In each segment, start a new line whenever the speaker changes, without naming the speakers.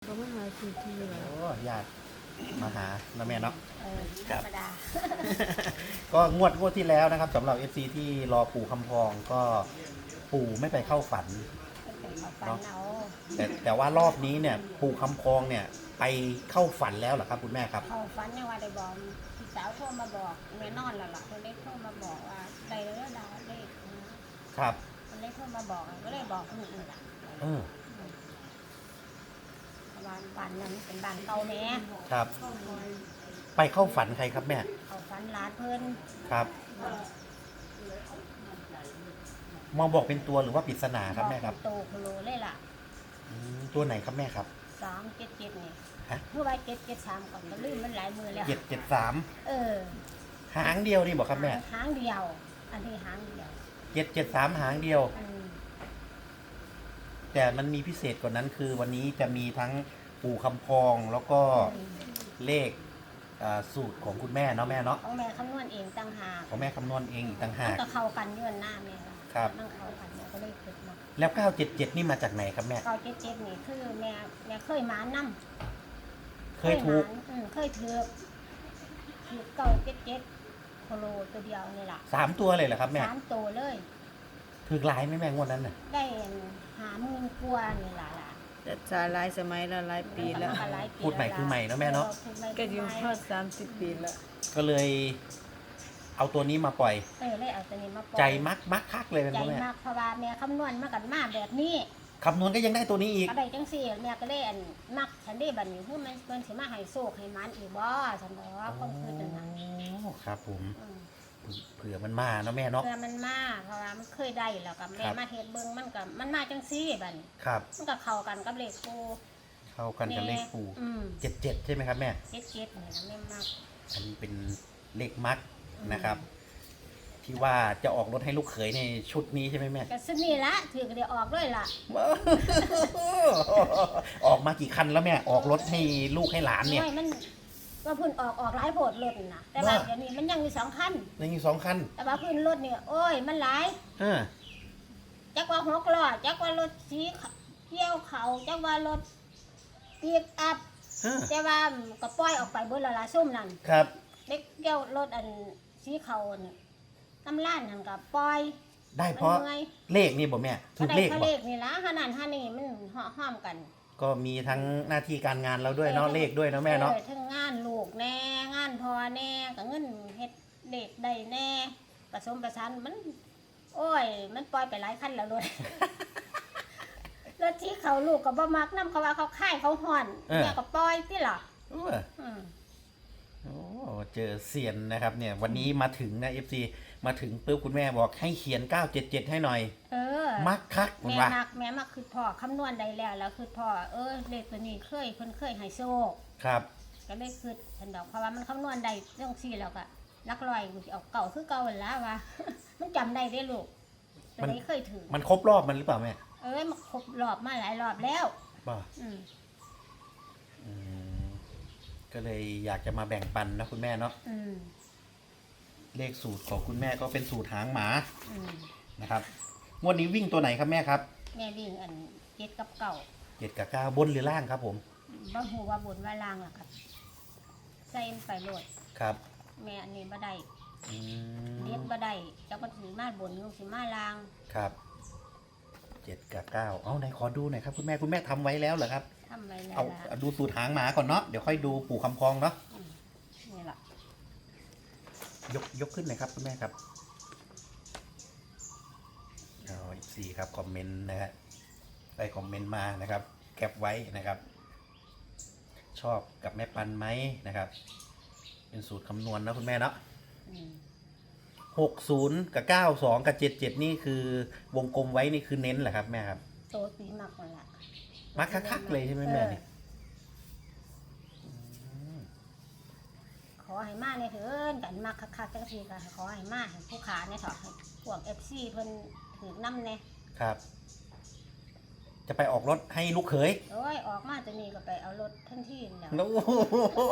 เขามาหาคือที่เหรอ
โอ้ญาติมาหานะแม่เนาะ
ธรรมดา
ก็งวดที่แล้วนะครับสำหรับ FC ที่รอปู่คำพองก็ปู่ไม่ไปเข้าฝัน
เป็นเขาฟันเอา
แต่ว่ารอบนี้เนี่ยปู่คำพองเนี่ยไปเข้าฝันแล้วเหรอครับคุณแม่ครับ
เขาฟันยังว่าได้บอกพี่สาวโทรมาบอกแม่นอนแล้วล่ะเพิ่นได้โทรมาบอกว่าได้แล้วดาเลขนะครับ เพิ่นได้โทรมาบอกก็เลยบอกคนอื่นล่ะ
เออ
บ้านนั้นเป็นบ้านเก่าแม่
ครับ ไปเข้าฝันใครครับแม่
เขาฟันร้านเพิ่น
ครับมองบอกเป็นตัวหรือว่าปริศนาครับแม่ครับ
อกเป็นโตโคโลเลยล่ะ
ตัวไหนครับแม่ครับ
377นี่
ฮะ
เมื่อไว้773ก่อนก็ลืมมันหลายมือแล้ว
773
เออ
หางเดียวนี่บอกครับแม่
หางเดียว อันนี้หางเดียว
773หางเดียว
อืม
แต่มันมีพิเศษกว่านั้นคือวันนี้จะมีทั้งปู่คำพองแล้วก็เลขสูตรของคุณแม่เนาะแม่เนาะ
ของแม่คำนวณเองต่างหาก
ของแม่คำนวณเองอีกต่างหา
มัน
ก
ก็เข้ากันอยื่นหน้าแม่ล่ะ
ครับ
มันเข้ากันแม่ก็เลยคิดมา
แล้ว 977 นี่มาจากไหนครับแม่
977นี่คือแม่เคยหมานำ
เคยถูก
เคยถือ977โคโลตัวเดียวนี่ล่ะ
3 ตัวเลยเหรอครับแม่
3ตัวเลย
ถือหลายไหมแม่งวดนั้นน่ะ
ได้50,000กว่านี่ล่ะ
แต่จาหลายสมัยแล้วหลายปีแล้ว
มันก็หายปี
พูดใหม่คือใหม่เนาะแม่เนาะ
พูดใหม่
ก็
คือ
อยู่
ใหม่
ทอด30 ปีแล้ว
ก็เลยเอาตัวนี้มาปล่อย
เลยเอาตัวนี้มาปล่อย
ใจมักคักเลยเป็น
ใจ
พ่อแม่
มากเพราะว่าแม่คำนวณมากันมาแบบนี้
คำนวณก็ยังได้ตัวนี้อีก
ก็ได้จังซี่แม่ก็เลยมักฉันได้บัดนี้คือมันสิมาให้โชคให้หมันอีกบ่ฉันบอกว่าคนคือจังนั้น
โอ้ครับผม
อืม
เผื่อมันมาเนาะแม่เนาะ
เพื่อมันมาเพราะว่ามันเคยได้แล้วก็แม่
ครับ
มาเฮ็ดเบิ่งมันมาจังซี่บัดนี้
ครับ
มันก็เข้ากันกับเลขปู
เข้ากันกับเลขปู่
อืม
77ใช่ไหมครับแม่
เจ็ดนี่นะแม่มัก
อันนี้เป็นเลขมักนะครับ ที่ว่าจะออกรถให้ลูกเขยในชุดนี้ใช่ไหมแม่
ก็ซึ่งนี่ละถือก็ได้ออกเลยล่ะ
ออกมากี่คันแล้วแม่ออกรถให้ลูกให้หลานเนี่ย
โอ้ยมันว่าเพื้นออกหลายโพดรถน่ะแต่ว่าเดี๋ยวนี้มันยังมี2คัน
ยังมี2 คัน
แต่ว่าพื้นรถเนี่ยโอ้ยมันหลาย
เออ
จักว่า6ล้อจักว่ารถสีเกี่ยวเขาจักว่ารถปีกอัพ
เออ
แต่ว่าก็ปล่อยออกไปเบิดและละซุ่มนั่น
ครับ
เด็กเกี่ยวรถอันสีเขานี่น้ำล้านนั่นก็ปล่อย
ได้เพราะ
มันมื่อย
เลขนี่บอกแม่ถู
ก็
ก
ได้
เลข
เขา
บอ
เล
ก
ขนี่ละขนาดท่านี่มันห้อมกัน
ก็มีทั้งหน้าที่การงานเราด้วยเนาะเลขด้วยเนาะแม่เนาะ
ทั้งงานลูกแน่งานพอแน่ก็เงินเฮ็ดเด็กได้แน่ผสมประสานมัน โอ้ย มันปล่อยไปหลายคันแล้วรถ รถที่เขาลูกก็บ่มักนํเขาว่าเขาค่ายเขาห่อนเนี่ยก็ปล่อยติล่ะ
เออ
อืม
โอ้เจอเซียนนะครับเนี่ยวันนี้มาถึงนะ FC มาถึงปุ๊บคุณแม่บอกให้เขียน 977 ให้หน่อย
เออ
มักคักผม
แม่
ว่า
มักคือพ่อคำนวณได้แล้วคือพ่อเลขตัวนี้เพิ่นเคยให้โชค
ครับ
ก็เลยคือฉันดอกเพราะว่ามันคำนวณได้เรื่องซี่แล้วก็ลักลอยกูสิเอาเก่าคือเก่าหั่นล่ะว่า มันจำได้เด้ลูกตัวนี้เคยถือ
มันครบรอบมันหรือเปล่าแม่
มันครบรอบมาหลายรอบแล้ว
ป่ะ
อืม
อืมก็เลยอยากจะมาแบ่งปันนะคุณแม่เนาะ
อืม
เลขสูตรของคุณแม่ก็เป็นสูตรหางหมา
อืม
นะครับงวดนี้วิ่งตัวไหนครับแม่ครับ
แม่วิ่งอันเจ็ดกับเก่า
7 กับ 9บนหรือล่างครับผม
บ่ฮู้ว่าบนว่าล่างล่ะครับใส่มันไปโลด
ครับ
แม่อันนี้บ่ได้
อืม
เลียดบ่ได้จักมันสิมาบนหรือสิมาล่าง
ครับ7 กับ 9เอาไหนขอดูหน่อยครับคุณแม่ทำไว้แล้วเหรอครับ
ทำไว้แล้ว
เอา
ล่ะ
ดูสูตรหางหมาก่อนเนาะเดี๋ยวค่อยดูปู่คำพองเนาะ
นี่ล่ะ
ยกขึ้นหน่อยครับคุณแม่ครับเอาอีกสี่ครับคอมเมนต์นะฮะได้คอมเมนต์มานะครับแคปไว้นะครับ ชอบกับแม่ปันไหมนะครับ เป็นสูตรคำนวณนะคุณแม่เนาะ
อืม
60 กับ 92 กับ 77 นี่คือวงกลมไว้นี่คือเน้นแหละครับแม่ครับ
โตสีมักนั่นล่ะ
มักคักๆเลยใช่ไหมแม่นี่
ขอให้มาเนี่ยเถินกันมักคักๆจังซี่ก็ขอให้มาให้ผู้ขาเนี่ยเถอะให้พวก FC เพิ่นถือนำแน่
ครับ จะไปออกรถให้ลูกเขย
โอ้ยออกมาตัวนี้ก็ไปเอารถทันทีแล้ว
โอ้โห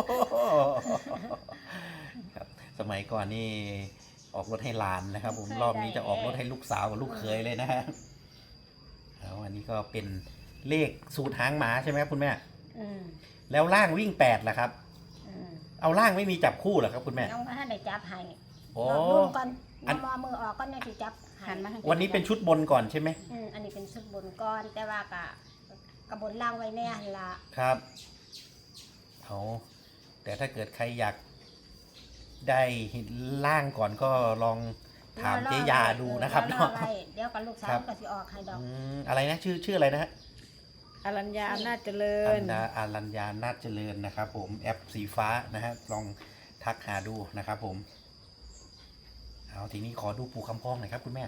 ครับสมัยก่อนนี่ออกรถให้หลานนะครับ ผมรอบนี้จะออกรถให้ลูกสาวกับลูกเขยเลยนะฮะแล้วอันนี้ก็เป็นเลขสูตรหางหมาใช่ไหมครับคุณแม่
ออืม
แล้วล่างวิ่ง8ล่ะครับ
อืม
เอาล่างไม่มีจับคู่เหรอครับคุณแม่
ยังบ่ทันได้จับให้
โอ้
บอกลุงก่อน
อัน
มอมือออกก่อนเนี่ยสิจับให้
หันมาทาง
วันนี้เป็นชุดบนก่อนใช่ไหม
อันนี้เป็นชุดบนก้อนแต่ว่ากระบนล่างไว้แน่หั่นละ
ครับเอาแต่ถ้าเกิดใครอยากได้ล่างก่อนก็ลองถามเจ๊ยาดูนะครับ
เนาะ
เนาะ
เดี๋ยวกับลูกสา
ครั
ว
บ
ก็สิออกให้ดอก
อะไรนะชื่ออะไรนะฮะ
อรัญญาอำนาจเจริ
อั
ญ
นดาอารัญญานาจเจริญนะครับผมแอปสีฟ้านะฮะลองทักหาดูนะครับผมเอาทีนี้ขอดูปู่คำพองหน่อยครับคุณแม่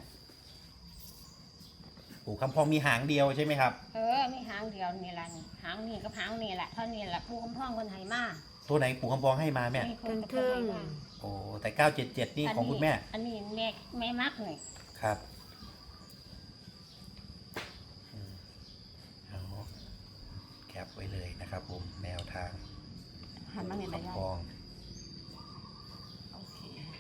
ปู่คำพองมีหางเดียวใช่ไหมครับ
มีหางเดียวนี่ล่ะนี่หางนี่กับหางนี่แหละเท่านี้แหละผู้คำพ้องคนให้มา
ตัวไหนปู่คำพองให้มาแม่
นี่คนกับคนให้มา
โอ้แต่977นี่ของคุณแม่
อันนี้แม่มักนี่
ครับเอาแคปไว้เลยนะครับผมแนวทาง
หันมาเห็นไหม
คำ
ยาย
พอง
โอเค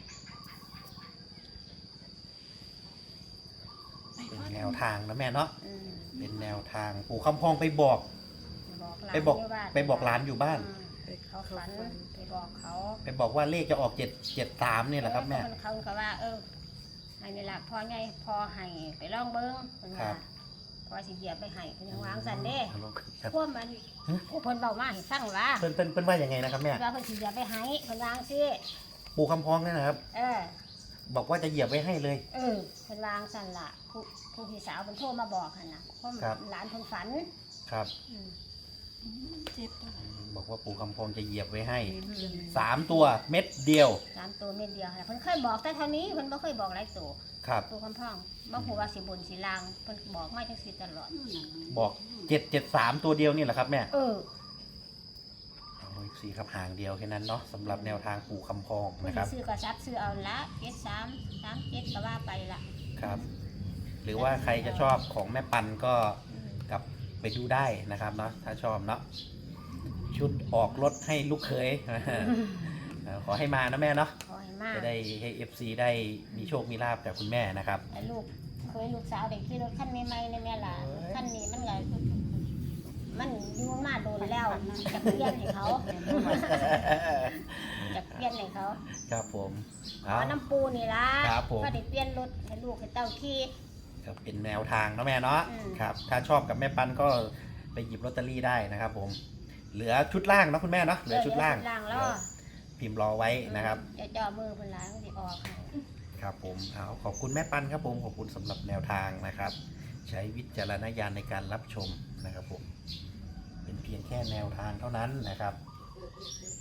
เป็นแนวทางนะแม่เนาะ
อืม
เป็นแนวทางปู่คำพองไปบอก
หลาน
ไปบอก
ยู่บ้าน
ไปบอกหลานอยู่บ้าน
เขาฝันไปบอกเขา
ไปบอกว่าเลขจะออก773เนี่ยแหละครับแม่
เขาก็ว่าให้นี่ล่ะพอไงพอให้ไปลองเบิ้งเพิ่น
ครั
ว่า
บ
พอสิเหยียบไปให้เพิ่นยังวางสันเด้
ครับ
พวกมันผู้เพิ่นเบามาให้ฟังว่า
เพิ่นว่ายังไงนะครับแม่
ว่าเพิ่นสิเหยียบไปให้เพิ่นวางซิ
ปู่คำพองเนี่ยนะครับ
เออ
บอกว่าจะเหยียบไว้ให้เลย
เพิ่นวางสันล่ะผู้พี่สาวเพิ่นโทรมาบอกหั่นน่ะเพราะ
ครับ
หลานเพิ่นฝัน
ครับ
อืม
เจ็บตัว
บอกว่าปู่คำพองจะเหยียบไว้ให้
อืม
3 ตัวเม็ดเดียว
สามตัวเม็ดเดียวค่ะเพิ่นเคยบอกแต่เท่านี้เพิ่นบ่เคยบอกหลายตัว
ครับ
ตัวคำพ่องบ่ฮู้ว่าสิบนสิลางเพิ่นบอกมาจังซี่ตลอด
บอก773ตัวเดียวนี่แหละครับแม่
เอา
สีครับหางเดียวแค่นั้นเนาะสำหรับแนวทางปู่คำพอง
ผู้
นะครับ
ที่ซื้อก็ซับซื้อเอาละ73 37ก็ว่าไปละ
ครับ หรือว่าใครจะชอบของแม่ปันก็กลับไปดูได้นะครับเนาะถ้าชอบเนาะชุดออกรถให้ลูกเขย ขอให้มานะแม่เนาะ
ขอให้มา
จะได้ให้ FC ได้มีโชคมีลาบจากคุณแม่นะครับ
แต่ลูกสาวได้ขี่รถคันใหม่ๆนี่แม่ล่ะคันนี้มันก็มันอยู่มาโดนแล้วจะเปลี่ยนให้เขาจะเปลี่ยนให้เขา
ครับผม
ขอน้ำปูนี่ล่ะ
ครับผม
ก็ได้เปลี่ยนรถให้ลูกให้เต้าขี่
ก็เป็นแนวทางเนาะแม่เนาะ
อืม
ครับถ้าชอบกับแม่ปันก็ไปหยิบลอตเตอรี่ได้นะครับผมเหลือชุดล่างเนาะคุณแม่เนาะเหลือชุดล่าง
แล้ว
พิมพ์รอไว้นะครับ
จะจ่อมือคนร้ายมันจะออกให้
ครับผมเอาขอบคุณแม่ปันครับผมขอบคุณสำหรับแนวทางนะครับ ใช้วิจารณญาณในการรับชมนะครับผมเป็นเพียงแค่แนวทางเท่านั้นนะครับ